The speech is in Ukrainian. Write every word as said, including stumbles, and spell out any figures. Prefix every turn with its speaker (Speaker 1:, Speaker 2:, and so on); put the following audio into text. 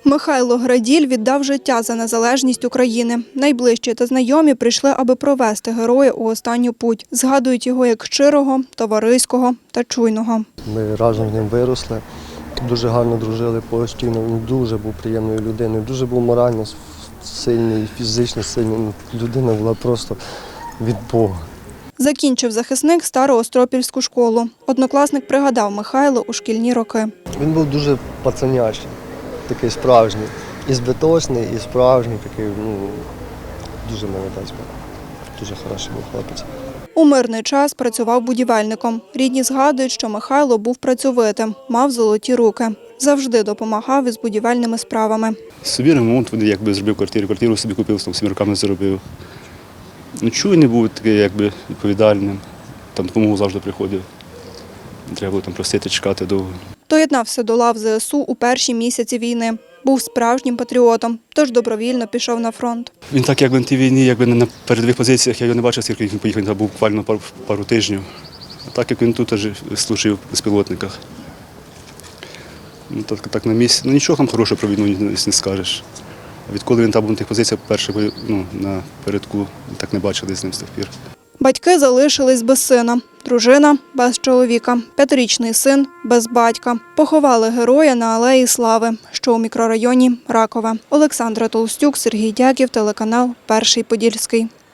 Speaker 1: Михайло Граділь віддав життя за незалежність України. Найближчі та знайомі прийшли, аби провести героя у останню путь. Згадують його як щирого, товариського та чуйного.
Speaker 2: Ми разом з ним виросли, дуже гарно дружили постійно. Він дуже був приємною людиною, дуже був морально сильний, фізично сильний. Людина була просто від Бога.
Speaker 1: Закінчив захисник Староостропільську школу. Однокласник пригадав Михайло у шкільні роки.
Speaker 2: Він був дуже пацанячий, такий справжній. І збиточний, і справжній, такий, ну, дуже молодець був. Дуже хороший був хлопець.
Speaker 1: У мирний час працював будівельником. Рідні згадують, що Михайло був працьовитим, мав золоті руки. Завжди допомагав із будівельними справами.
Speaker 3: Собі ремонт, якби зробив квартиру, квартиру собі купив, там всіма роками заробив. Ну, чуйний був такий, якби відповідальним, там допомогу завжди приходив. Не треба було там просити, чекати довго.
Speaker 1: Доєднався до лав ЗеЕс У у перші місяці війни. Був справжнім патріотом, тож добровільно пішов на фронт.
Speaker 3: Він так, якби на тій війні, якби на передових позиціях, я його не бачив, скільки він поїхав, він був буквально пару, пару тижнів. А так, як він тут теж служив в безпілотниках. Ну, так, так на місці. Ну, нічого там хорошого про війну не, не скажеш. Відколи він там був на тих позиціях, перше, ну, на передку, так не бачили з ним з тих пір.
Speaker 1: Батьки залишились без сина, дружина – без чоловіка, п'ятирічний син – без батька. Поховали героя на Алеї Слави, що у мікрорайоні Ракове. Олександра Толстюк, Сергій Дяків, телеканал «Перший Подільський».